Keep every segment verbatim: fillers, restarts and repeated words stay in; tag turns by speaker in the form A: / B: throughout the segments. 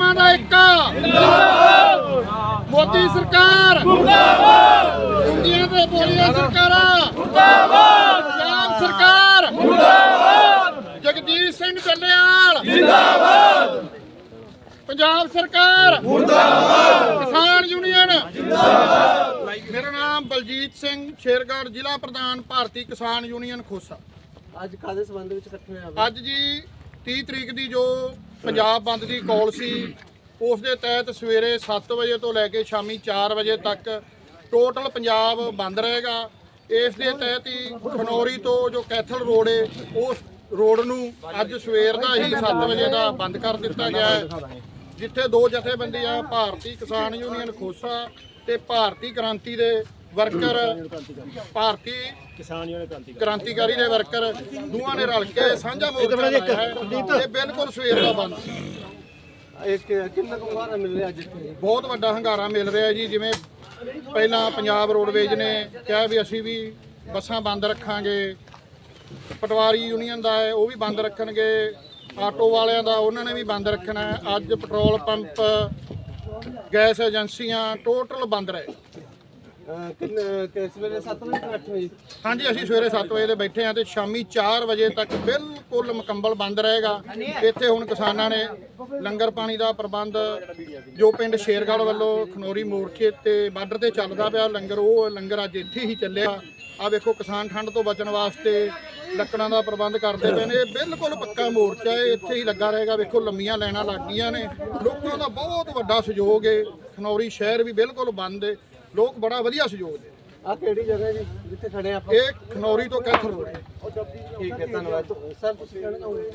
A: ਕਿਸਾਨਾਂ ਦਾ ਏਕਾ ਮੋਦੀ ਸਰਕਾਰ ਮੁਰਦਾਬਾਦ, ਇੰਡੀਆ ਤੇ ਬੋਲੀਆਂ ਸਰਕਾਰਾਂ ਮੁਰਦਾਬਾਦ, ਪੰਜਾਬ ਸਰਕਾਰ ਮੁਰਦਾਬਾਦ, ਜਗਜੀਤ ਸਿੰਘ ਚੱਲਿਆਲ ਜਿੰਦਾਬਾਦ, ਪੰਜਾਬ ਸਰਕਾਰ ਮੁਰਦਾਬਾਦ, ਕਿਸਾਨ ਯੂਨੀਅਨ ਜਿੰਦਾਬਾਦ। ਮੇਰਾ ਨਾਮ ਬਲਜੀਤ ਸਿੰਘ ਸ਼ੇਰਗੜ੍ਹ, ਜ਼ਿਲ੍ਹਾ ਪ੍ਰਧਾਨ ਭਾਰਤੀ ਕਿਸਾਨ ਯੂਨੀਅਨ ਖੋਸਾ।
B: ਅੱਜ ਕਾਦੇ ਸੰਬੰਧ ਵਿੱਚ ਇਕੱਠੇ ਹੋਏ ਆ?
A: ਅੱਜ ਜੀ ਤੀਹ ਤਰੀਕ ਦੀ ਜੋ ਪੰਜਾਬ ਬੰਦ ਦੀ ਕਾਲ ਸੀ, ਉਸ ਦੇ ਤਹਿਤ ਸਵੇਰੇ ਸੱਤ ਵਜੇ ਤੋਂ ਲੈ ਕੇ ਸ਼ਾਮੀ ਚਾਰ ਵਜੇ ਤੱਕ ਟੋਟਲ ਪੰਜਾਬ ਬੰਦ ਰਹੇਗਾ। ਇਸ ਦੇ ਤਹਿਤ ਹੀ ਖਨੌਰੀ ਤੋਂ ਜੋ ਕੈਥਲ ਰੋਡ ਹੈ, ਉਸ ਰੋਡ ਨੂੰ ਅੱਜ ਸਵੇਰ ਦਾ ਹੀ ਸੱਤ ਵਜੇ ਦਾ ਬੰਦ ਕਰ ਦਿੱਤਾ ਗਿਆ ਹੈ, ਜਿੱਥੇ ਦੋ ਜਥੇਬੰਦੀਆਂ ਭਾਰਤੀ ਕਿਸਾਨ ਯੂਨੀਅਨ ਖੋਸਾ ਤੇ ਭਾਰਤੀ ਕ੍ਰਾਂਤੀ ਦੇ ਵਰਕਰ, ਭਾਰਤੀ
B: ਕਿਸਾਨ ਯੂਨੀਅਨ
A: ਕ੍ਰਾਂਤੀਕਾਰੀ ਦੇ ਵਰਕਰ ਦੋਵਾਂ ਨੇ ਰਲ ਕੇ ਸਾਂਝਾ ਮੋਰਚਾ ਲਾਇਆ ਹੈ। ਇਹ ਬਿਲਕੁਲ ਸਵੇਰ ਦਾ ਬੰਦ।
B: ਇੱਕ ਕਿੰਨਾ ਕੁ ਹੰਗਾਰਾ ਮਿਲ ਰਿਹਾ ਅੱਜ?
A: ਬਹੁਤ ਵੱਡਾ ਹੰਗਾਰਾ ਮਿਲ ਰਿਹਾ ਜੀ। ਜਿਵੇਂ ਪਹਿਲਾਂ ਪੰਜਾਬ ਰੋਡਵੇਜ਼ ਨੇ ਕਿਹਾ ਵੀ ਅਸੀਂ ਵੀ ਬੱਸਾਂ ਬੰਦ ਰੱਖਾਂਗੇ, ਪਟਵਾਰੀ ਯੂਨੀਅਨ ਦਾ ਹੈ ਉਹ ਵੀ ਬੰਦ ਰੱਖਣਗੇ, ਆਟੋ ਵਾਲਿਆਂ ਦਾ ਉਹਨਾਂ ਨੇ ਵੀ ਬੰਦ ਰੱਖਣਾ ਹੈ। ਅੱਜ ਪੈਟਰੋਲ ਪੰਪ, ਗੈਸ ਏਜੰਸੀਆਂ ਟੋਟਲ ਬੰਦ ਰਹੇ।
B: ਕਿੰਨੇ ਕਿਸ ਵੇਲੇ ਸੱਤ ਵਜੇ ਤੋਂ ਅੱਠ ਵਜੇ?
A: ਹਾਂਜੀ, ਅਸੀਂ ਸਵੇਰੇ ਸੱਤ ਵਜੇ ਦੇ ਬੈਠੇ ਹਾਂ ਤੇ ਸ਼ਾਮੀ ਚਾਰ ਵਜੇ ਤੱਕ ਬਿਲਕੁਲ ਮੁਕੰਮਲ ਬੰਦ ਰਹੇਗਾ। ਇੱਥੇ ਹੁਣ ਕਿਸਾਨਾਂ ਨੇ ਲੰਗਰ ਪਾਣੀ ਦਾ ਪ੍ਰਬੰਧ ਜੋ ਪਿੰਡ ਸ਼ੇਰਗੜ੍ਹ ਵੱਲੋਂ ਖਨੌਰੀ ਮੋਰਚੇ ਤੇ ਬਾਰਡਰ ਤੇ ਚੱਲਦਾ ਪਿਆ ਲੰਗਰ, ਉਹ ਲੰਗਰ ਅੱਜ ਇੱਥੇ ਹੀ ਚੱਲਿਆ। ਆ ਵੇਖੋ ਕਿਸਾਨ ਠੰਡ ਤੋਂ ਬਚਣ ਵਾਸਤੇ ਲੱਕੜਾਂ ਦਾ ਪ੍ਰਬੰਧ ਕਰਦੇ ਪਏ ਨੇ। ਇਹ ਬਿਲਕੁਲ ਪੱਕਾ ਮੋਰਚਾ ਹੈ, ਇੱਥੇ ਹੀ ਲੱਗਾ ਰਹੇਗਾ। ਵੇਖੋ ਲੰਮੀਆਂ ਲਾਈਨਾਂ ਲੱਗ ਗਈਆਂ ਨੇ, ਲੋਕਾਂ ਦਾ ਬਹੁਤ ਵੱਡਾ ਸਹਿਯੋਗ ਹੈ। ਖਨੌਰੀ ਸ਼ਹਿਰ ਵੀ ਬਿਲਕੁਲ ਬੰਦ ਹੈ, ਲੋਕ ਬੜਾ ਵਧੀਆ ਸਹਿਯੋਗ ਦੇ।
B: ਆ ਕਿਹੜੀ ਜਗ੍ਹਾ ਜੀ ਜਿੱਥੇ ਖੜੇ ਆਪਾਂ?
A: ਇਹ ਖਨੌਰੀ ਤੋਂ ਕੈਥਲ ਰੋਡ ਹੈ।
B: ਠੀਕ ਹੈ, ਧੰਨਵਾਦ ਸਰ। ਤੁਸੀਂ ਕਹਿਣਾ ਚਾਹੋਗੇ?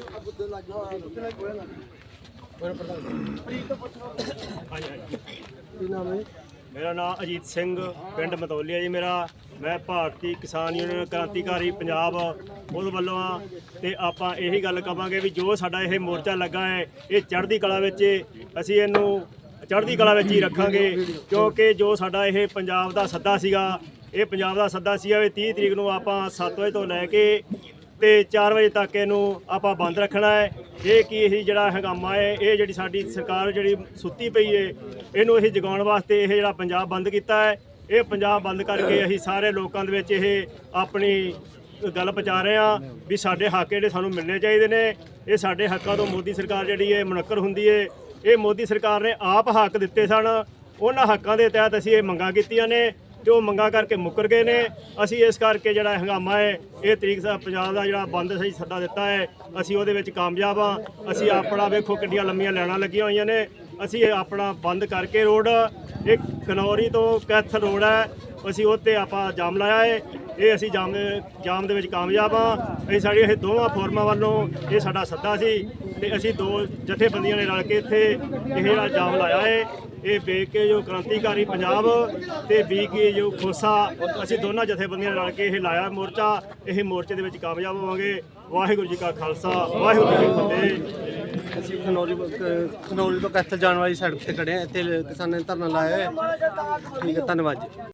B: ਕੀ ਨਾਮ ਹੈ?
C: ਮੇਰਾ ਨਾਮ ਅਜੀਤ ਸਿੰਘ, ਪਿੰਡ ਮਤੌਲੀਆ ਜੀ ਮੇਰਾ। ਮੈਂ ਭਾਰਤੀ ਕਿਸਾਨ ਯੂਨੀਅਨ ਕ੍ਰਾਂਤੀਕਾਰੀ ਪੰਜਾਬ ਉਹਦੇ ਵੱਲੋਂ ਆ ਤੇ ਆਪਾਂ ਇਹੀ ਗੱਲ ਕਵਾਂਗੇ ਵੀ ਜੋ ਸਾਡਾ ਇਹ ਮੋਰਚਾ ਲੱਗਾ ਹੈ, ਇਹ ਚੜ੍ਹਦੀ ਕਲਾ ਵਿੱਚ ਅਸੀਂ ਇਹਨੂੰ ਚੜ੍ਹਦੀ ਕਲਾ ਵਿੱਚ ਹੀ ਰੱਖਾਂਗੇ, ਕਿਉਂਕਿ ਜੋ ਸਾਡਾ ਇਹ ਪੰਜਾਬ ਦਾ ਸੱਦਾ ਸੀਗਾ, ਇਹ ਪੰਜਾਬ ਦਾ ਸੱਦਾ ਸੀਗਾ ਵੀ ਤੀਹ ਤਰੀਕ ਨੂੰ ਆਪਾਂ ਸੱਤ ਵਜੇ ਤੋਂ ਲੈ ਕੇ ਤੇ ਚਾਰ ਵਜੇ ਤੱਕ ਇਹਨੂੰ ਆਪਾਂ ਬੰਦ ਰੱਖਣਾ ਹੈ। ਇਹ ਕੀ ਇਹ ਜਿਹੜਾ ਹੰਗਾਮਾ ਹੈ, ਇਹ ਜਿਹੜੀ ਸਾਡੀ ਸਰਕਾਰ ਜਿਹੜੀ ਸੁੱਤੀ ਪਈ ਹੈ, ਇਹਨੂੰ ਅਸੀਂ ਜਗਾਉਣ ਵਾਸਤੇ ਇਹ ਜਿਹੜਾ ਪੰਜਾਬ ਬੰਦ ਕੀਤਾ ਹੈ। ਇਹ ਪੰਜਾਬ ਬੰਦ ਕਰਕੇ ਅਸੀਂ ਸਾਰੇ ਲੋਕਾਂ ਦੇ ਵਿੱਚ ਇਹ ਆਪਣੀ ਗੱਲ ਪਹੁੰਚਾ ਰਹੇ ਹਾਂ ਵੀ ਸਾਡੇ ਹੱਕ ਜਿਹੜੇ ਸਾਨੂੰ ਮਿਲਣੇ ਚਾਹੀਦੇ ਨੇ। ਇਹ ਸਾਡੇ ਹੱਕਾਂ ਤੋਂ ਮੋਦੀ ਸਰਕਾਰ ਜਿਹੜੀ ਹੈ ਮੁਨੱਕਰ ਹੁੰਦੀ ਹੈ। ਇਹ ਮੋਦੀ ਸਰਕਾਰ ਨੇ ਆਪ ਹੱਕ ਦਿੱਤੇ ਸਨ, ਉਹਨਾਂ ਹੱਕਾਂ ਦੇ ਤਹਿਤ ਅਸੀਂ ਇਹ ਮੰਗਾਂ ਕੀਤੀਆਂ ਨੇ ਤੇ ਉਹ ਮੰਗਾਂ ਕਰਕੇ ਮੁੱਕਰ ਗਏ ਨੇ। ਅਸੀਂ ਇਸ ਕਰਕੇ ਜਿਹੜਾ ਹੰਗਾਮਾ ਹੈ, ਇਹ ਤਰੀਕ ਪੰਜਾਬ ਦਾ ਜਿਹੜਾ ਬੰਦ ਸਹੀ ਸੱਦਾ ਦਿੱਤਾ ਹੈ, ਅਸੀਂ ਉਹਦੇ ਵਿੱਚ ਕਾਮਯਾਬ ਹਾਂ। ਅਸੀਂ ਆਪਣਾ ਵੇਖੋ ਕਿੰਨੀਆਂ ਲੰਮੀਆਂ ਲਾਈਨਾਂ ਲੱਗੀਆਂ ਹੋਈਆਂ ਨੇ, ਅਸੀਂ ਇਹ ਆਪਣਾ ਬੰਦ ਕਰਕੇ ਰੋਡ, ਇਹ ਖਨੌਰੀ ਤੋਂ ਕੈਥਲ ਰੋਡ ਹੈ, ਅਸੀਂ ਉੱਤੇ ਆਪਾਂ ਜਾਮ ਲਾਇਆ ਹੈ। ਇਹ ਅਸੀਂ ਜਾਮ ਦੇ ਜਾਮ ਦੇ ਵਿੱਚ ਕਾਮਯਾਬ ਹਾਂ। ਅਸੀਂ ਸਾਡੀ ਇਹ ਦੋਵਾਂ ਫੋਰਮਾਂ ਵੱਲੋਂ ਇਹ ਸਾਡਾ ਸੱਦਾ ਸੀ ਤੇ ਅਸੀਂ ਦੋ ਜਥੇਬੰਦੀਆਂ ਨੇ ਰਲ ਕੇ ਇੱਥੇ ਇਹ ਜਿਹੜਾ ਜਾਮ ਲਾਇਆ ਹੈ। ਇਹ ਵੇਖ ਕੇ ਜੋ ਕ੍ਰਾਂਤੀਕਾਰੀ ਪੰਜਾਬ ਤੇ ਬੀ ਕੇ ਜੋ ਖੋਸਾ, ਅਸੀਂ ਦੋਨਾਂ ਜਥੇਬੰਦੀਆਂ ਰਲ ਕੇ ਇਹ ਲਾਇਆ ਮੋਰਚਾ। ਇਹ ਮੋਰਚੇ ਦੇ ਵਿੱਚ ਕਾਮਯਾਬ ਹੋਵਾਂਗੇ। ਵਾਹਿਗੁਰੂ ਜੀ ਕਾ ਖਾਲਸਾ, ਵਾਹਿਗੁਰੂ ਜੀ ਕੀ ਫਤਿਹ।
B: ਅਸੀਂ ਖਨੌਰੀ ਖਨੌਰੀ ਤੋਂ ਕੈਥਲ ਜਾਣ ਵਾਲੀ ਸੜਕ ਤੇ ਖੜੇ ਆ। ਇੱਥੇ ਕਿਸਾਨਾਂ ਨੇ ਧਰਨਾ ਲਾਇਆ ਹੈ। ਠੀਕ ਹੈ, ਧੰਨਵਾਦ ਜੀ।